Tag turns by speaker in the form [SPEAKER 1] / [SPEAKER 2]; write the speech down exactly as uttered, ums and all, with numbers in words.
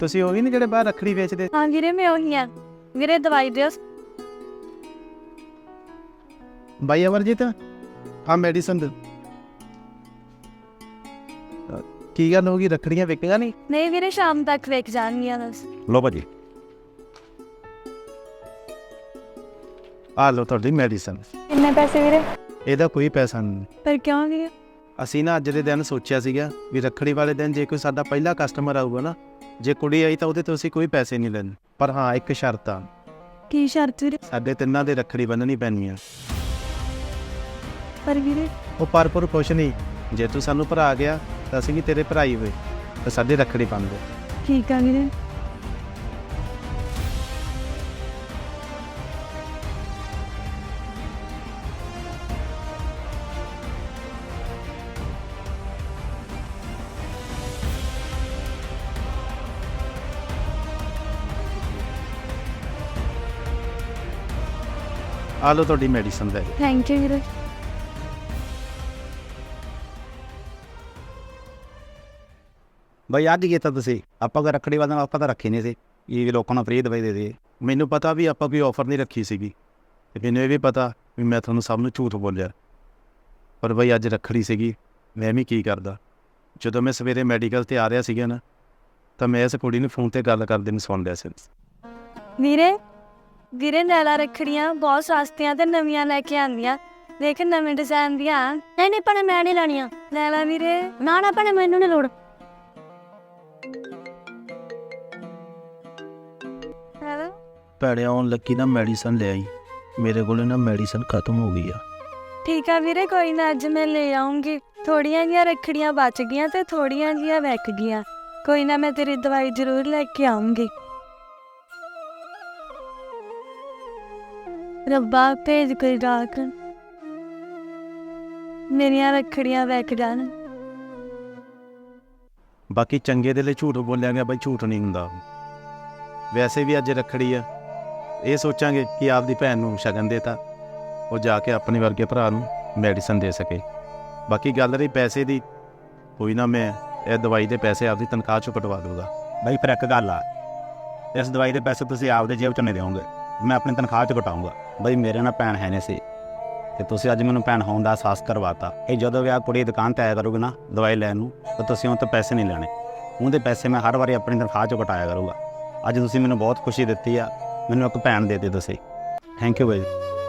[SPEAKER 1] ਤੁਸੀਂ ਉਹ ਵੀ ਨਹੀਂ ਜਿਹੜੇ ਬਾਹਰ ਰੱਖੜੀ ਵੇਚਦੇ?
[SPEAKER 2] हाँ वीरे मैं वही हाँ वीरे दवाई दियो।
[SPEAKER 1] ਬਾਈ ਅਮਰਜੀਤ ਆ ਮੈਡੀਸਨ ਦੇ। ਕੀ ਗੱਲ ਹੋ ਗਈ, ਰੱਖੜੀਆਂ ਵਿਕੇਗਾ ਨਹੀਂ?
[SPEAKER 2] नहीं वीरे शाम तक वेक जाएंगी बस।
[SPEAKER 3] ਲਓ ਭਾਜੀ।
[SPEAKER 1] ਆ ਲਓ ਤੁਹਾਡੀ ਮੈਡੀਸਨ।
[SPEAKER 2] कितने पैसे वीरे?
[SPEAKER 1] ਇਹਦਾ ਕੋਈ ਪੈਸਾ ਨਹੀਂ।
[SPEAKER 2] पर क्यों वीरे?
[SPEAKER 1] ਅਸੀਂ ਨਾ ਅੱਜ ਦੇ ਦਿਨ ਸੋਚਿਆ ਸੀਗਾ ਵੀ ਰੱਖੜੀ ਵਾਲੇ ਦਿਨ ਜੇ ਕੋਈ ਸਾਡਾ ਪਹਿਲਾ ਕਸਟਮਰ ਆਊਗਾ ਨਾ, ਜੇ ਕੁੜੀ ਆਈ ਤਾਂ ਉਹਦੇ ਤੋਂ ਅਸੀਂ ਕੋਈ ਪੈਸੇ ਨਹੀਂ ਲੈਣੇ, ਪਰ ਹਾਂ ਇੱਕ ਸ਼ਰਤ ਆ,
[SPEAKER 2] की शर्त वीरे?
[SPEAKER 1] ਸਾਡੇ ਤਿੰਨਾਂ ਦੇ ਰੱਖੜੀ ਬੰਨ੍ਹਣੀ ਪੈਣੀ ਆ।
[SPEAKER 2] पर वीरे
[SPEAKER 1] ਉਹ ਪਰ ਪਰ ਕੁਛ ਨਹੀਂ, ਜੇ ਤੂੰ ਸਾਨੂੰ ਭਰਾ ਗਿਆ ਤਾਂ ਅਸੀਂ ਵੀ ਤੇਰੇ ਭਰਾ ਹੀ ਹੋਏ, ਤਾਂ ਸਾਡੇ ਰੱਖੜੀ ਬੰਨ੍ਹ ਦੇ।
[SPEAKER 2] ठीक है वीरे।
[SPEAKER 1] ਆ ਲਓ ਤੁਹਾਡੀ ਮੈਡੀਸਨ ਲੈ ਲਓ।
[SPEAKER 2] थैंक यू वीरे।
[SPEAKER 3] ਬਈ ਅੱਜ ਕੀਤਾ ਤੁਸੀਂ, ਆਪਾਂ ਕੋਈ ਰੱਖੜੀ ਵਾਲੇ ਨਾਲ ਆਪਾਂ ਤਾਂ ਰੱਖੀ ਨਹੀਂ ਸੀ ਇਹ ਵੀ ਲੋਕਾਂ ਨੂੰ ਫ੍ਰੀ ਦਵਾਈ ਦੇ ਦੇ।
[SPEAKER 1] ਮੈਨੂੰ ਪਤਾ ਵੀ ਆਪਾਂ ਕੋਈ ਆਫਰ ਨਹੀਂ ਰੱਖੀ ਸੀਗੀ, ਤੇ ਮੈਨੂੰ ਇਹ ਵੀ ਪਤਾ ਵੀ ਮੈਂ ਤੁਹਾਨੂੰ ਸਭ ਨੂੰ ਝੂਠ ਬੋਲਿਆ, ਪਰ ਬਈ ਅੱਜ ਰੱਖੜੀ ਸੀਗੀ, ਮੈਂ ਵੀ ਕੀ ਕਰਦਾ। ਜਦੋਂ ਮੈਂ ਸਵੇਰੇ ਮੈਡੀਕਲ ਤੇ ਆ ਰਿਹਾ ਸੀਗਾ ਨਾ, ਤਾਂ ਮੈਂ ਇਸ ਕੁੜੀ ਨੂੰ ਫੋਨ ਤੇ ਗੱਲ ਕਰਦੇ ਨੂੰ ਸੁਣ ਲਿਆ ਸੀ।
[SPEAKER 2] ਵੀਰੇ ਵੀਰੇ ਨੈਲਾ ਰੱਖੜੀਆਂ ਬਹੁਤ ਸਸਤੀਆਂ ਤੇ ਨਵੀਆਂ ਲੈ ਕੇ ਆਂਦੀਆਂ, ਦੇਖ ਨਵੇਂ ਡਿਜ਼ਾਈਨ ਦੀਆਂ। ਨਹੀਂ ਨਹੀਂ ਭੈਣੇ ਮੈਂ ਨਹੀਂ ਲੈਣੀਆਂ। ਨੈਲਾ ਵੀਰੇ। ਨਾ ਨਾ ਭੈਣੇ ਮੈਨੂੰ ਨਹੀਂ ਲੋੜ। ਹੈਲੋ
[SPEAKER 1] ਭੈੜੇ ਆਉਣ ਲੱਗੀ ਨਾ ਮੈਡੀਸਨ ਲੈ ਆਈ, ਮੇਰੇ ਕੋਲ ਨਾ ਮੈਡੀਸਨ ਖਤਮ ਹੋ ਗਈ ਆ।
[SPEAKER 2] ਠੀਕ ਆ ਵੀਰੇ ਕੋਈ ਨਾ, ਅੱਜ ਮੈਂ ਲੈ ਆਉਂਗੀ। ਥੋੜੀਆਂ ਜਿਹੀਆਂ ਰੱਖੜੀਆਂ ਬਚ ਗਈਆਂ ਤੇ ਥੋੜੀਆਂ ਜਿਹੀਆਂ ਵਿਕ ਗਈਆਂ, ਕੋਈ ਨਾ ਮੈਂ ਤੇਰੀ ਦਵਾਈ ਜ਼ਰੂਰ ਲੈ ਕੇ ਆਉਂਗੀ। ਰੱਬਾ ਭੇਜ ਕੋਈ ਡਾਕ, ਮੇਰੀਆਂ ਰੱਖੜੀਆਂ ਵਿਕ ਜਾਣ।
[SPEAKER 1] ਬਾਕੀ ਚੰਗੇ ਦੇ ਲਈ ਝੂਠ ਬੋਲਿਆ ਗਿਆ ਬਈ, ਝੂਠ ਨਹੀਂ ਹੁੰਦਾ। ਵੈਸੇ ਵੀ ਅੱਜ ਰੱਖੜੀ ਆ, ਇਹ ਸੋਚਾਂਗੇ ਕਿ ਆਪਦੀ ਭੈਣ ਨੂੰ ਸ਼ਗਨ ਦੇਤਾ, ਉਹ ਜਾ ਕੇ ਆਪਣੇ ਵਰਗੇ ਭਰਾ ਨੂੰ ਮੈਡੀਸਨ ਦੇ ਸਕੇ। ਬਾਕੀ ਗੱਲ ਰਹੀ ਪੈਸੇ ਦੀ, ਕੋਈ ਨਾ ਮੈਂ ਇਹ ਦਵਾਈ ਦੇ ਪੈਸੇ ਆਪਦੀ ਤਨਖਾਹ ਚੋਂ ਕਟਵਾ ਦੂੰਗਾ।
[SPEAKER 3] ਬਈ ਫਿਰ ਇੱਕ ਗੱਲ ਆ, ਇਸ ਦਵਾਈ ਦੇ ਪੈਸੇ ਤੁਸੀਂ ਆਪਦੇ ਜੇਬ ਚੋਂ ਨਹੀਂ ਦਿਓਗੇ, ਮੈਂ ਆਪਣੀ ਤਨਖਾਹ ਚੋਂ ਕਟਾਊਂਗਾ। ਬਈ ਮੇਰੇ ਨਾਲ ਭੈਣ ਹੈ ਨਹੀਂ ਸੀ, ਤੇ ਤੁਸੀਂ ਅੱਜ ਮੈਨੂੰ ਭੈਣ ਹੋਣ ਦਾ ਅਹਿਸਾਸ ਕਰਵਾਤਾ। ਇਹ ਜਦੋਂ ਵੀ ਆ ਕੁੜੀ ਦੁਕਾਨ 'ਤੇ ਆਇਆ ਕਰੂਗੀ ਨਾ ਦਵਾਈ ਲੈਣ ਨੂੰ, ਤਾਂ ਤੁਸੀਂ ਉਹ ਤੋਂ ਪੈਸੇ ਨਹੀਂ ਲੈਣੇ, ਉਹਦੇ ਪੈਸੇ ਮੈਂ ਹਰ ਵਾਰੀ ਆਪਣੀ ਤਨਖਾਹ ਚੋਂ ਕਟਾਇਆ ਕਰੂੰਗਾ। ਅੱਜ ਤੁਸੀਂ ਮੈਨੂੰ ਬਹੁਤ ਖੁਸ਼ੀ ਦਿੱਤੀ ਆ, ਮੈਨੂੰ ਇੱਕ ਭੈਣ ਦੇ ਦਿੱਤੀ ਤੁਸੀਂ। Thank you by.